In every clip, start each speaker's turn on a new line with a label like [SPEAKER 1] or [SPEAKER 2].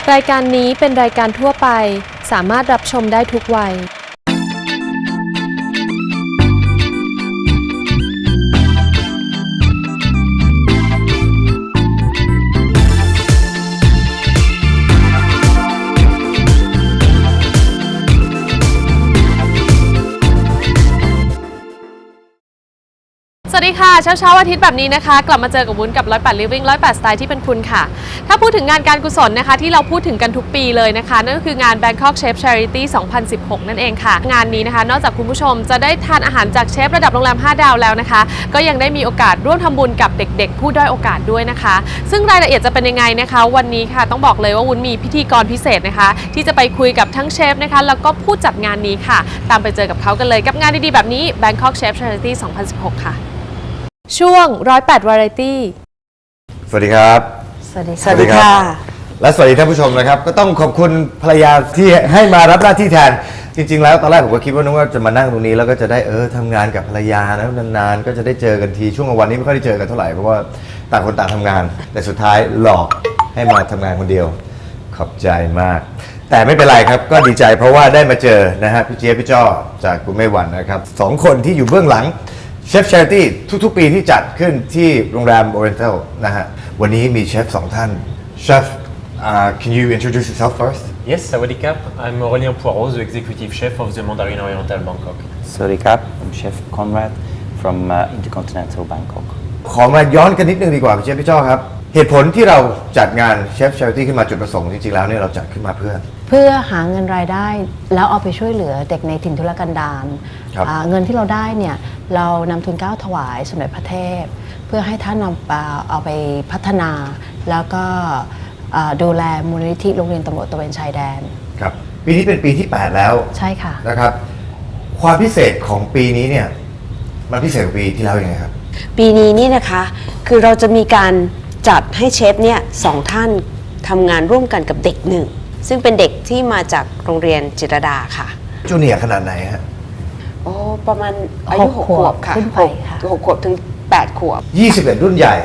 [SPEAKER 1] รายการนี้เป็นรายการทั่วไปสามารถรับชมได้ทุกวัยสวัสดีค่ะเช้าอาทิตย์แบบนี้นะคะกลับมาเจอกับวุ้นกับ108 Living 108 Style ที่เป็นคุณค่ะถ้าพูดถึงงานการกุศลนะคะที่เราพูดถึงกันทุกปีเลยนะคะนั่นก็คืองาน Bangkok Chef Charity 2016 นั่นเองค่ะงานนี้นะคะนอกจากคุณผู้ชมจะได้ทานอาหารจากเชฟระดับโรงแรม5 ดาวแล้วนะคะก็ยังได้มีโอกาสร่วมทำบุญกับเด็กๆผู้ด้อยโอกาสด้วยนะคะซึ่งรายละเอียดจะเป็นยังไงนะคะวันนี้ค่ะต้องบอกเลยว่าวุ้นมีพิธีกรพิเศษนะคะที่จะไปคุยกับทั้งเชฟนะคะแล้วก็ผู้จัดงานนี้ค่ะตามไปเจอกับเขากันเลยกับงานดีๆแบบนี้ Bangkok Chef Charity 2016 ค่ะช่วง108 Variety
[SPEAKER 2] สวัสดีครับ
[SPEAKER 3] สวัสดีค่ะ
[SPEAKER 2] และสวัสดีท่านผู้ชมนะครับก็ต้องขอบคุณภรรยาที่ให้มารับหน้าที่แทนจริงๆแล้วตอนแรกผมก็คิดว่านึกว่าจะมานั่งตรงนี้แล้วก็จะได้ทำงานกับภรรยานะนานๆก็จะได้เจอกันทีช่วงวันนี้ไม่ค่อยได้เจอกันเท่าไหร่เพราะว่าต่างคนต่างทำงานแต่สุดท้ายหลอกให้มาทำงานคนเดียวขอบใจมากแต่ไม่เป็นไรครับก็ดีใจเพราะว่าได้มาเจอนะฮะพี่เจี๊ยบพี่จ้อจากกุเมวันนะครับ2 คนที่อยู่เบื้องหลังเชฟ Charity ทุกๆปีที่จัดขึ้นที่โรงแรม Oriental นะฮะวันนี้มีเชฟ2 ท่านเชฟcan you introduce yourself first?
[SPEAKER 4] Yes, Sawadikap. I'm Aurélien Poirot, the executive chef of the Mandarin Oriental Bangkok.
[SPEAKER 5] Sawadikap. I'm Chef Conrad from Intercontinental Bangkok.
[SPEAKER 2] ขอมาย้อนกันนิดนึงดีกว่าพี่เชฟพี่จ้อครับเหตุผลที่เราจัดงานเชฟ Charity ขึ้นมาจุดประสงค์จริงๆแล้วเนี่ยเราจัดขึ้นมาเพื่อ
[SPEAKER 3] หาเงินรายได้แล้วเอาไปช่วยเหลือเด็กในถิ่นทุรกันดารเงินที่เราได้เนี่ยเรานำทุนเกล้าถวายสมเด็จพระเทพเพื่อให้ท่านเอาไปพัฒนาแล้วก็ดูแลมูลนิธิโรงเรียนตำรวจตระเวนชายแดน
[SPEAKER 2] ครับปีนี้เป็นปีที่8แล้ว
[SPEAKER 3] ใช่ค่ะ
[SPEAKER 2] นะครับความพิเศษของปีนี้เนี่ยมันพิเศษกว่าปีที่แล้วยังไงครับ
[SPEAKER 6] ปีนี้นี่นะคะคือเราจะมีการจัดให้เชฟเนี่ย2 ท่านทำงานร่วมกันกับเด็ก1ซึ่งเป็นเด็กที่มาจากโรงเรียนจิตรดาค่ะ
[SPEAKER 2] จูเนียร์ขนาดไหนฮะ
[SPEAKER 6] โอ้ประมาณอายุ6 ขวบค่ะ6 ขวบถึง8 ขวบ
[SPEAKER 2] 21รุ่นใหญ่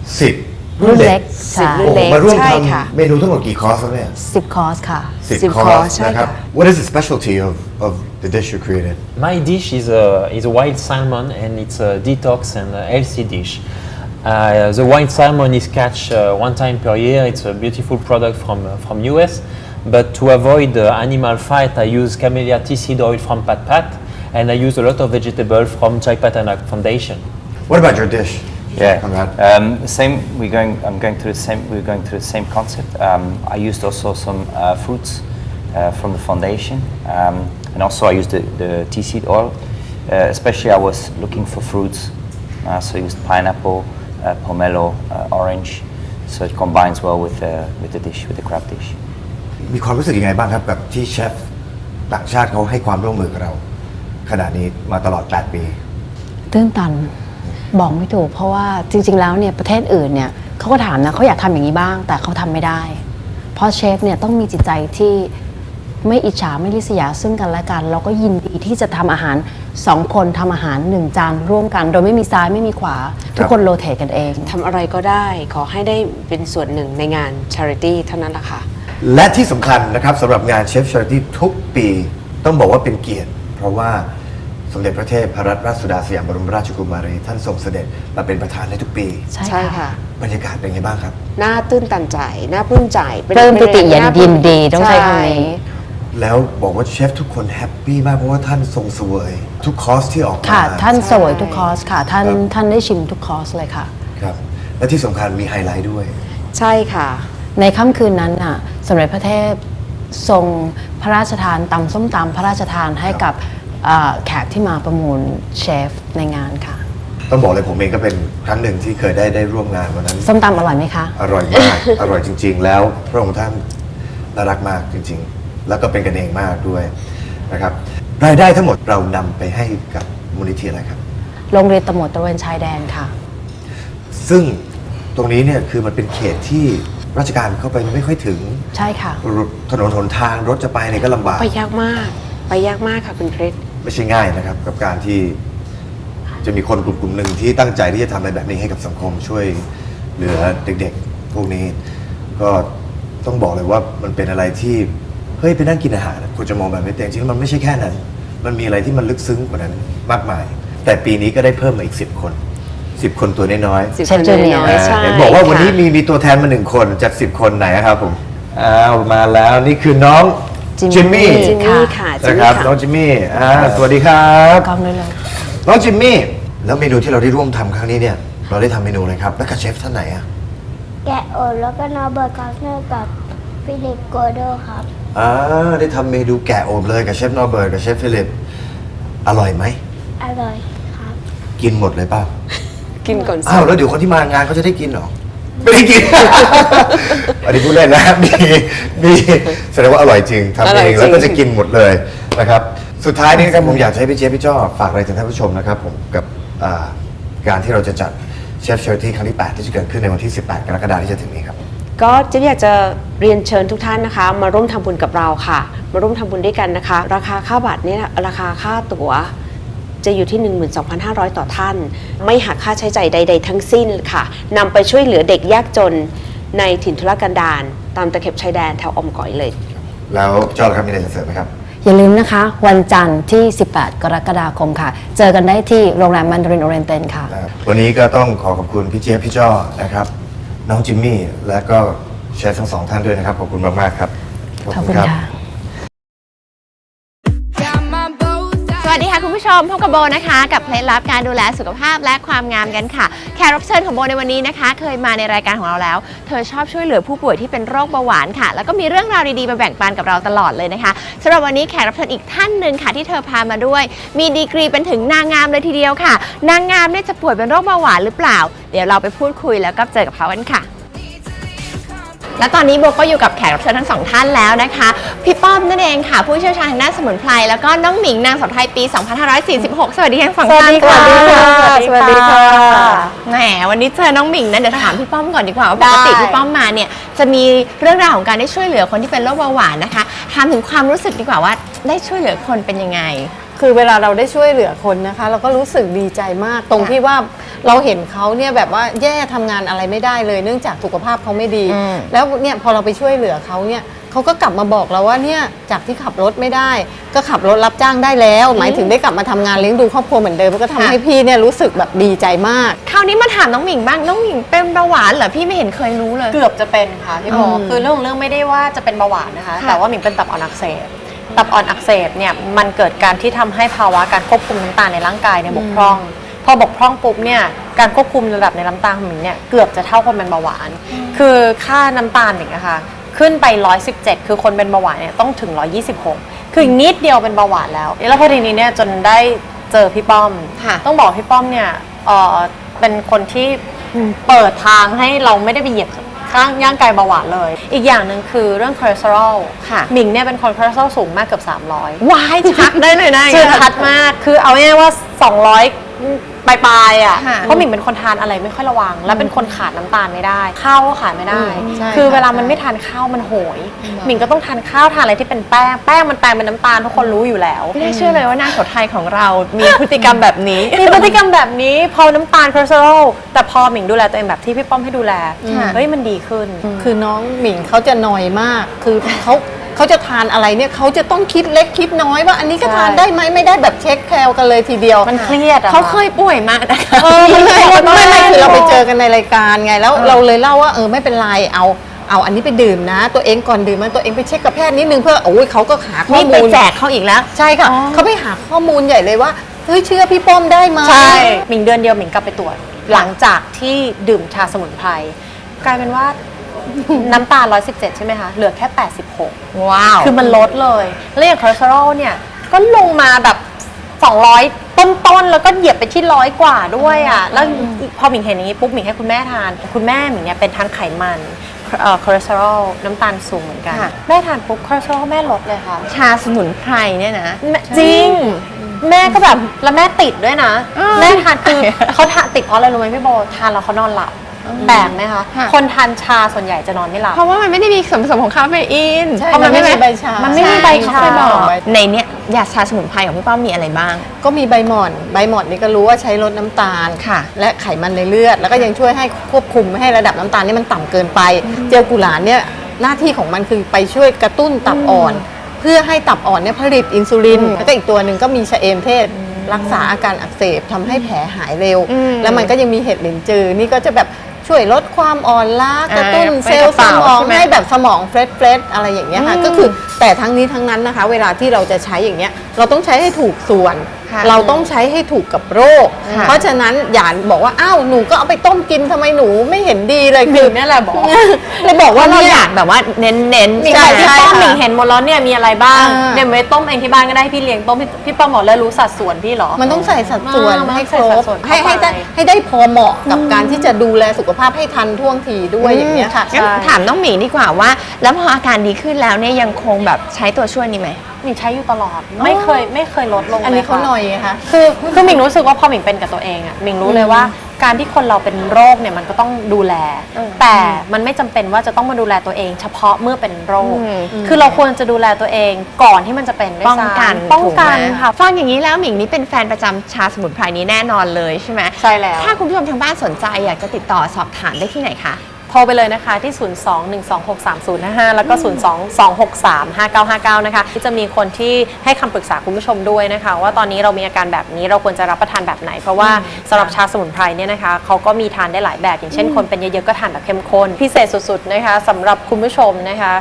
[SPEAKER 2] 10รุ่นเล็ก
[SPEAKER 6] รุ่นเล็ก
[SPEAKER 2] มาร่วมทำเมนูทั้งหมดกี่คอร์สครับเนี่ย
[SPEAKER 3] 10 คอร์สค่ะ
[SPEAKER 2] 10 คอร์สนะครับ What is the specialty of the dish you created?
[SPEAKER 4] My dish is a wild salmon and it's a detox and a healthy dish. The wild salmon is catch 1 time per year. It's a beautiful product from US. But to avoid animal fat, I use camellia tea seed oil from Pat Pat, and I use a lot of vegetable from Chai Patanak Foundation.
[SPEAKER 2] What about your dish?
[SPEAKER 5] Yeah, same. I'm going through the same. We're going through the same concept. I used also some fruits from the foundation, and also I used the tea seed oil. Especially, I was looking for fruits, so I used pineapple, pomelo, orange. So it combines well with the dish, with the crab dish.
[SPEAKER 2] มีความรู้สึกยังไงบ้างครับกับที่เชฟต่างชาติเขาให้ความร่วมมือกับเราขณะนี้มาตลอด8 ปี
[SPEAKER 3] ตื้นตันบอกไม่ถูกเพราะว่าจริงๆแล้วเนี่ยประเทศอื่นเนี่ยเขาก็ถามนะเขาอยากทำอย่างนี้บ้างแต่เขาทำไม่ได้เพราะเชฟเนี่ยต้องมีจิตใจที่ไม่อิจฉาไม่ริษยาซึ่งกันและกันเราก็ยินดีที่จะทำอาหาร2 คนทำอาหาร1 จานร่วมกันโดยไม่มีซ้ายไม่มีขวาทุกคนโรเตทกันเอง
[SPEAKER 6] ทำอะไรก็ได้ขอให้ได้เป็นส่วนหนึ่งในงาน Charity เท่านั้นแหละค่ะ
[SPEAKER 2] และที่สำคัญนะครับสำหรับงานเชฟ Charity ทุกปีต้องบอกว่าเป็นเกียรติเพราะว่าสมเด็จพระเทพรัตนราชสุดาสยามบรมราชกุมารีท่านทรงเสด็จมาเป็นประธานในทุกปี
[SPEAKER 6] ใช่ค่ะ
[SPEAKER 2] บรรยากาศเป็นไงบ้างครับ
[SPEAKER 6] น่าตื้นตันใจน่าปลื้มใจ
[SPEAKER 3] เริ่มปิติยินดีต้องใช้คำนี้
[SPEAKER 2] แล้วบอกว่าเชฟทุกคนแฮปปี้มากเพราะว่าท่านทรงเสวยทุกคอร์สที่ออกมา
[SPEAKER 3] ค่ะท่านเสวยทุกคอร์สค่ะท่านได้ชิมทุกคอร์สเลยค่ะ
[SPEAKER 2] ครับและที่สำคัญมีไฮไลท์ด้วย
[SPEAKER 6] ใช่ค่ะ
[SPEAKER 3] ในค่ำคืนนั้นน่ะสมเด็จพระเทพทรงพระราชทานตำส้มตำพระราชทานให้กับแขกที่มาประมูลเชฟในงานค่ะ
[SPEAKER 2] ต้องบอกเลยผมเองก็เป็นครั้งหนึ่งที่เคยได้ร่วมงานวันนั้น
[SPEAKER 3] ส้มตำอร่อยไหมคะ
[SPEAKER 2] อร่อยมาก อร่อยจริงๆแล้วพระองค์ท่านน่ารักมากจริงๆแล้วก็เป็นกันเองมากด้วยนะครับรายได้ทั้งหมดเรานำไปให้กับมูลนิธิอะไรครับ
[SPEAKER 3] โรงเรียนตำรวจตระเวนชายแดนค่ะ
[SPEAKER 2] ซึ่งตรงนี้เนี่ยคือมันเป็นเขตที่ราชการเข้าไปไม่ค่อยถึง
[SPEAKER 3] ใช่ค่ะ
[SPEAKER 2] ถนนหนทางรถจะไปเนี่ยก็ลำบาก
[SPEAKER 6] ไปยากมากค่ะคุณคริส
[SPEAKER 2] ไม่ใช่ง่ายนะครับกับการที่จะมีคนกลุ่มหนึ่งที่ตั้งใจที่จะทำอะไรแบบนี้ให้กับสังคมช่วยเหลือเด็กๆพวกนี้ก็ต้องบอกเลยว่ามันเป็นอะไรที่เฮ้ยไปนั่งกินอาหารคุณจะมองแบบไม่เต็มจริงๆมันไม่ใช่แค่นั้น มันมีอะไรที่มันลึกซึ้งกว่านั้นมากมาย แต่ปีนี้ก็ได้เพิ่มมาอีก10 คน10 คนตัวน้อยๆ
[SPEAKER 6] 10
[SPEAKER 3] เชฟจูเนียร์
[SPEAKER 6] ใช่
[SPEAKER 2] เห็นบอกว่าวันนี้
[SPEAKER 6] ค่ะ
[SPEAKER 2] มีตัวแทนมา1 คนจาก10 คนไหนครับผมอ้าวมาแล้วนี่คือน้องจิมมี่
[SPEAKER 6] จิมมี่ค่ะจิม
[SPEAKER 2] นะ
[SPEAKER 6] มี่
[SPEAKER 2] ครับ
[SPEAKER 6] ค่ะ
[SPEAKER 2] น้องจิมมี่สวัสดีครับ
[SPEAKER 3] กล้องด้วยเลย
[SPEAKER 2] น้องจิมมี่แล้วเมนูที่เราได้ร่วมทำครั้งนี้เนี่ยเราได้ทำเมนูเลยครับแล้วกับเชฟท่านไหนอะ
[SPEAKER 7] แกะโอดแล้วก็นอร์เบิร์ตคอสเนอร์กับฟิลิปโกโดครับ
[SPEAKER 2] ได้ทำเมนูแกะโอบเลยกับเชฟนอร์เบิร์ตกับเชฟฟิลิปอร่อยไหม
[SPEAKER 7] อร่อยครับ
[SPEAKER 2] กินหมดเลยเปล่า
[SPEAKER 6] กินก่อนสิ
[SPEAKER 2] อ้าวแล้วเดี๋ยวคนที่มางานเขาจะได้กินเหรอไม่ได้กิน อันนี้พูดเล่นนะมีแสดงว่าอร่อยจริงทำเองแล้วก็จะกินหมดเลยนะครับสุดท้ายนี้นะครับผมอยากจะให้พี่เจี๊ยบพี่จ้อฝากอะไรถึงท่านผู้ชมนะครับผมกับการที่เราจะจัดเชฟเชอร์ที่ครั้งที่ 8 ที่จะเกิดขึ้นในวันที่ 18 กรกฎาคมที่จะถึงนี้ครับ
[SPEAKER 6] ก็เจะอยากจะเรียนเชิญทุกท่านนะคะ มาร่วมทำบุญกับเราค่ะ มาร่วมทำบุญด้วยกันนะคะ ราคาค่าบัตรเนี่ยราคาค่าตั๋วจะอยู่ที่ 12,500 ต่อท่าน ไม่หักค่าใช้จ่ายใด ๆ ทั้งสิ้นค่ะนำไปช่วยเหลือเด็กยากจนในถิ่นทุรกันดารตามตะเข็บชายแดนแถวออมก๋อยเลย
[SPEAKER 2] แล้วจ้อครับมีอะไรจะเสริมไหมครับ
[SPEAKER 3] อย่าลืมนะคะ วันจันทร์ที่ 18 กรกฎาคมค่ะ เจอกันได้ที่โรงแรมมันดารินโอเรนเตนค่ะ
[SPEAKER 2] วันนี้ก็ต้องขอบคุณพี่เจี๊ยบพี่จ้อนะครับน้องจิมมี่และก็เชฟทั้ง2 ท่านด้วยนะครับขอบคุณมากๆครับ
[SPEAKER 3] ขอบคุณค่ะ
[SPEAKER 8] สวัสดีค่ะคุณผู้ชมพบกับโบนะคะกับเคล็ดลับการดูแลสุขภาพและความงามกันค่ะแขกรับเชิญของโบในวันนี้นะคะเคยมาในรายการของเราแล้วเธอชอบช่วยเหลือผู้ป่วยที่เป็นโรคเบาหวานค่ะแล้วก็มีเรื่องราวดีๆมาแบ่งปันกับเราตลอดเลยนะคะสำหรับวันนี้แขกรับเชิญอีกท่านหนึ่งค่ะที่เธอพามาด้วยมีดีกรีเป็นถึงนางงามเลยทีเดียวค่ะนางงามเนี่ยจะป่วยเป็นโรคเบาหวานหรือเปล่าเดี๋ยวเราไปพูดคุยแล้วก็เจอกับเขากันค่ะและตอนนี้โบก็อยู่กับแขกรับเชิญทั้งสองท่านแล้วนะคะพี่ป้อมนั่นเองค่ะผู้เชี่ยวชาญทางด้านสมุนไพรแล้วก็น้องหมิงนางสาวไทยปี 2546 สวัสดีทั้งสองท่านค่ะ
[SPEAKER 6] สวัสดีค่ะ
[SPEAKER 8] แหมวันนี้เจอน้องหมิงนะเดี๋ยวถามพี่ป้อมก่อนดีกว่าว่าปกติพี่ป้อมมาเนี่ยจะมีเรื่องราวของการได้ช่วยเหลือคนที่เป็นโรคเบาหวานนะคะถามถึงความรู้สึกดีกว่าว่าได้ช่วยเหลือคนเป็นยังไง
[SPEAKER 9] คือเวลาเราได้ช่วยเหลือคนนะคะ เราก็รู้สึกดีใจมากตรงที่ว่าเราเห็นเขาเนี่ยแบบว่าแย่ทำงานอะไรไม่ได้เลย เนื่องจากสุขภาพเขาไม่ดี แล้วเนี่ยพอเราไปช่วยเหลือเขาเนี่ยเขาก็กลับมาบอกเราว่าเนี่ยจากที่ขับรถไม่ได้ ก็ขับรถรับจ้างได้แล้ว หมายถึงได้กลับมาทำงานเลี้ยงดูครอบครัวเหมือนเดิมก็ทำให้พี่เนี่ยรู้สึกแบบดีใจมาก
[SPEAKER 8] คราวนี้มาถามน้องหมิงบ้างน้องหมิงเป็นเบาหวานเหรอพี่ไม่เห็นเคยรู้เลย
[SPEAKER 10] เกือบจะเป็นค่ะพี่โบคือเรื่องไม่ได้ว่าจะเป็นเบาหวานนะคะ
[SPEAKER 8] ค่ะ
[SPEAKER 10] แต่ว่าหมิงเป็นตับอ่อนอักเสบตับอ่อนอักเสบเนี่ยมันเกิดการที่ทำให้ภาวะการควบคุมน้ำตาลในร่างกายเนี่ยบกพร่อง พอบกพร่องปุ๊บเนี่ยการควบคุมระดับในน้ำตาลของหมิงเนี่ยเกือบจะเท่าคนเป็นเบาหวาน คือค่าน้ำตาลหมิงอะค่ะขึ้นไป 117 คือคนเป็นเบาหวานเนี่ยต้องถึง 126 คืออีกนิดเดียวเป็นเบาหวานแล้วพอทีนี้เนี่ยจนได้เจอพี่ป้อม
[SPEAKER 8] ค่ะ
[SPEAKER 10] ต้องบอกพี่ป้อมเนี่ยเป็นคนที่เปิดทางให้เราไม่ได้ไปเหยียบข้างย่างกายเบาหวานเลย อีกอย่างหนึ่งคือเรื่องคอเลสเตอรอล
[SPEAKER 8] ค่ะ
[SPEAKER 10] หมิงเนี่ยเป็นคนคอเลสเตอรอลสูงมากเกือบ300
[SPEAKER 8] วายชักได้เลยนะ
[SPEAKER 10] คือชัดมาก คือเอาง่ายๆว่า 200 ปลายๆอ่ะ
[SPEAKER 8] ค่ะ
[SPEAKER 10] เพราะหมิงเป็นคนทานอะไรไม่ค่อยระวัง และเป็นคนขาดน้ำตาลไม่ได้ ข้าวก็ขาดไม่ได้
[SPEAKER 9] ใช่
[SPEAKER 10] คือ
[SPEAKER 9] ค่ะ
[SPEAKER 10] เวลามันไม่ทานข้าวมันโหย หมิงก็ต้องทานข้าวทานอะไรที่เป็นแป้ง แป้งมันแปลงเป็นน้ำตาลทุกคนรู้อยู่แล้ว
[SPEAKER 8] ไม่ได้เชื่อเลยว่านางสาวไทยของเรา มีพฤติกรรมแบบนี้
[SPEAKER 10] มีพฤติกรรมแบบนี้พอน้ำตาลคอเลสเตอรอลแต่พอหมิงดูแลตัวเองแบบที่พี่ป้อมให้ดูแล
[SPEAKER 8] ค่ะ
[SPEAKER 10] เฮ้ยมันดีขึ้น
[SPEAKER 9] คือน้องหมิงเขาจะนอยมาก คือเขาจะทานอะไรเนี่ยเขาจะต้องคิดเล็กคิดน้อยว่าอันนี้ก็ทานได้ไหมไม่ได้แบบเช็คแคลกันเลยทีเดียว
[SPEAKER 10] มันเครียดอะ
[SPEAKER 8] เขาเคยป่วยมากนะคะ
[SPEAKER 9] มันเคยไม่คือเราไปเจอกันในรายการไงแล้วเราเลยเล่าว่าไม่เป็นไรเอาอันนี้ไปดื่มนะ ตัวเองก่อนดื่มมันตัวเองไปเช็คกับแพทย์นิดนึงเพื่อโอ้ยเขาก็หาข้อ
[SPEAKER 8] นี่ไป
[SPEAKER 9] มูล
[SPEAKER 8] แจกเขาอีกแล้ว
[SPEAKER 9] ใช่ค่ะเขาไปหาข้อมูลใหญ่เลยว่าเฮ้ยเชื่อพี่ป้อมได้ไหม
[SPEAKER 10] ใช่หมิงเดือนเดียวหมิงกลับไปตรวจ หลังจากที่ดื่มชาสมุนไพรกลายเป็นว่า น้ำตาล 117 ใช่ไหมคะ เหลือแค่ 86
[SPEAKER 8] ว้าว
[SPEAKER 10] คือมันลดเลย แล้วอย่างคอเลสเตอรอลเนี่ยก็ลงมาแบบ 200 ต้นๆ แล้วก็เหยียบไปที่100 กว่าด้วยอ่ะ แล้วพอหมิงเห็นอย่างนี้ปุ๊บหมิงให้คุณแม่ทาน คุณแม่หมิงเนี่ยเป็นทั้งไขมันคอเลสเตอรอลน้ำตาลสูงเหมือนกัน
[SPEAKER 8] ค่ะ
[SPEAKER 10] แม่ทานปุ๊บคอเลสเตอรอลแม่ลดเลยค่ะ
[SPEAKER 8] ชาสมุนไพรเนี่ยนะ
[SPEAKER 10] จริง แม่ก็แบบแล้วแม่ติดด้วยนะ แม่ทานคือเขาทานติดเพราะอะไรรู้ไหมพี่โบทานแล้วเขานอนหลับแปลกไหมคะ
[SPEAKER 8] ค่ะ
[SPEAKER 10] คนทานชาส่วนใหญ่จะนอนไม่หลับ
[SPEAKER 8] เพราะว่ามันไม่ได้มีส่วนผสมของคาเฟอีน
[SPEAKER 9] ใช่
[SPEAKER 8] เพราะ
[SPEAKER 9] มันไม่มีใบชา
[SPEAKER 10] มันไม่มีใบชา
[SPEAKER 8] ใช่เขาเคยบอก
[SPEAKER 9] ใบ
[SPEAKER 8] ในเนี้ยยาชาสมุนไพรของพี่ป้อมมีอะไรบ้าง
[SPEAKER 9] ก็มีใบหม่อนนี่ก็รู้ว่าใช้ลดน้ำตาล
[SPEAKER 8] ค่ะ
[SPEAKER 9] และไขมันในเลือด แล้วก็ยังช่วยให้ควบคุมไม่ให้ระดับน้ำตาลนี่มันต่ำเกินไป เจลกุหลาบเนี่ยหน้าที่ของมันคือไปช่วยกระตุ้นตับอ่อน เพื่อให้ตับอ่อนเนี่ยผลิตอินซูลินแล้วก็อีกตัวหนึ่งก็มีชะเอมเทศรักษาอาการอักเสบทำให้แผลหายเร็ว แล้วมันก็ยังมีเห็ดหลินจือนี่ก็จะแบบช่วยลดความอ่อนล้ากระตุ้นเซลล์สมองให้แบบสมองเฟรชอะไรอย่างเงี้ยค่ะก็คือแต่ทั้งนี้ทั้งนั้นนะคะเวลาที่เราจะใช้อย่างเงี้ยเราต้องใช้ให้ถูกส่วน เราต้องใช้ให้ถูกกับโรค เพราะฉะนั้นอย่าบอกว่าอ้าวหนูก็เอาไปต้มกินทำไมหนูไม่เห็นดีเลยคือนี่แหละบอกเลยบอกว่า
[SPEAKER 8] เรา
[SPEAKER 9] เนี่ย
[SPEAKER 8] อยากแบบว่าเน้นๆ
[SPEAKER 10] มีใครพี่ป้อม
[SPEAKER 9] ใช่ค่ะ
[SPEAKER 10] หมิงเห็นหมดแล้วเนี่ยมีอะไรบ้าง
[SPEAKER 9] อ่า
[SPEAKER 10] เดี๋ยวไปต้มเองที่บ้านก็ได้พี่เลี้ยงต้มพี่ป้อมบอกแล้วรู้สัดส่วนพี่เหรอ
[SPEAKER 9] มันต้องใส่สัดส่วน
[SPEAKER 10] มัน
[SPEAKER 9] ให้
[SPEAKER 10] ต้อง
[SPEAKER 9] คร
[SPEAKER 10] ใส่สั
[SPEAKER 9] บ
[SPEAKER 10] ดส่วน
[SPEAKER 9] ให้
[SPEAKER 10] เข้าไป
[SPEAKER 9] ให้ได้พอเหมาะกับการที่จะดูแลสุขภาพให้ทันท่วงทีด้วยอย่างเงี้ยค่ะ
[SPEAKER 8] งั้นถามน้องหมิงดีกว่าว่า แล้วพออาการดีขึ้นแล้วเนี่ยยังคงแบบใช้ตัวช่วยนี้ไหม
[SPEAKER 10] หมิงใช้อยู่ตลอดไม่เคยลดลง
[SPEAKER 9] อันนี้
[SPEAKER 10] ลย
[SPEAKER 9] เขา
[SPEAKER 10] ค่ะ
[SPEAKER 9] หน่อยไงคะ
[SPEAKER 10] คือหมิงรู้สึกว่าพอหมิงเป็นกับตัวเองอะหมิงรู้เลยว่าการที่คนเราเป็นโรคเนี่ยมันก็ต้องดูแล แต่มันไม่จำเป็นว่าจะต้องมาดูแลตัวเอง เฉพาะเมื่อเป็นโรค คือเราควรจะดูแลตัวเองก่อนที่มันจะเป็นด้วย
[SPEAKER 8] ป้อง
[SPEAKER 10] ซ้ำ
[SPEAKER 8] กัน
[SPEAKER 10] ป้องกัน
[SPEAKER 8] ถูไหม
[SPEAKER 10] ค่ะ
[SPEAKER 8] ฟังอย่างนี้แล้วหมิงนี่เป็นแฟนประจำชาสมุนไพรนี้แน่นอนเลยใช่ไหม
[SPEAKER 10] ใช่แล้ว
[SPEAKER 8] ถ้าคุณผู้ชมทางบ้านสนใจอยากจะติดต่อสอบถามได้ที่ไหนคะ
[SPEAKER 10] โทรไปเลยนะคะที่ 02-126-3055 แล้วก็ 02-263-5959 นะคะที่จะมีคนที่ให้คำปรึกษาคุณผู้ชมด้วยนะคะ ว่าตอนนี้เรามีอาการแบบนี้เราควรจะรับประทานแบบไหน เพราะว่าสำหรับชาสมุนไพรเนี่ยนะคะเขาก็มีทานได้หลายแบบ อย่างเช่นคนเป็นเยอะๆก็ทานแบบเข้มข้นพิเศษสุดๆนะคะสำหรับคุณผู้ชมนะคะ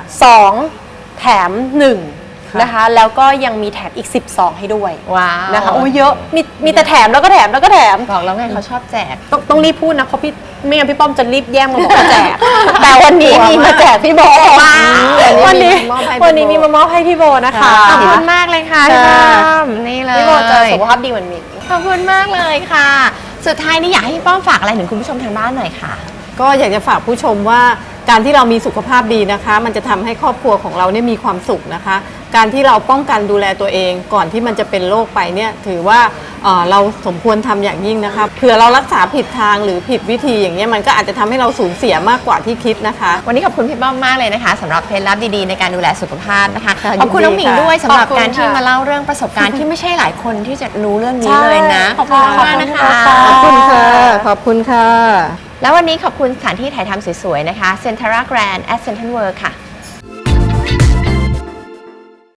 [SPEAKER 10] 2แถม1นะคะแล้วก็ยังมีแถมอีก10ซองให้ด้วย
[SPEAKER 8] ว้าว
[SPEAKER 10] นะคะโอ้ยเยอะมีแต่แถมแล้วก็แถมแล้วก็แถม
[SPEAKER 8] บอกแล้วไงเขาชอบแจก
[SPEAKER 10] ต้องรีบพูดนะเพราะพี่ไม่งั้นพี่ป้อมจะรีบแย่งมาบอกว่าแจก แต่วันนี้มีมาแจกพี่โบวันนี้มีมามอบให้พี่โบนะคะ
[SPEAKER 8] ขอบคุณมากเลยค่ะพี่ป้อมนี่เลย
[SPEAKER 10] พี่โบจะสุขภาพดีเหมือนหมิง
[SPEAKER 8] ขอบคุณมากเลยค่ะ สุดท้ายนี้อยากให้พี่ป้อมฝากอะไรถึงคุณผู้ชมทางบ้านหน่อยค่ะ
[SPEAKER 9] ก็อยากจะฝากผู้ชมว่าการที่เรามีสุขภาพดีนะคะ มันจะทำให้ครอบครัวของเราเนี่ยมีความสุขนะคะ การที่เราป้องกันดูแลตัวเองก่อนที่มันจะเป็นโรคไปเนี่ยถือว่าเราสมควรทำอย่างยิ่งนะคะเผื่อเรารักษาผิดทางหรือผิดวิธีอย่างเงี้ยมันก็อาจจะทำให้เราสูญเสียมากกว่าที่คิดนะคะ
[SPEAKER 8] วันนี้ขอบคุณพี่ป้อมมากเลยนะคะสำหรับเคล็ดลับดีๆในการดูแลสุขภาพนะคะ
[SPEAKER 9] ค่ะ
[SPEAKER 8] ขอบคุณน้องหมิงด้วยสำหรับ
[SPEAKER 10] ขอบคุณ
[SPEAKER 8] การที่
[SPEAKER 10] ค่ะ
[SPEAKER 8] มาเล่าเรื่องประสบการณ์ที่ไม่ใช่หลายคนที่จะรู้เรื่องนี้เลยนะ
[SPEAKER 10] ขอบคุณ
[SPEAKER 8] มากนะคะ
[SPEAKER 9] ขอบคุณค่ะขอบคุณค่ะ
[SPEAKER 8] แล้ววันนี้ขอบคุณสถานที่ถ่ายทำสวยๆนะคะ Centara Grand at Central World ค่ะ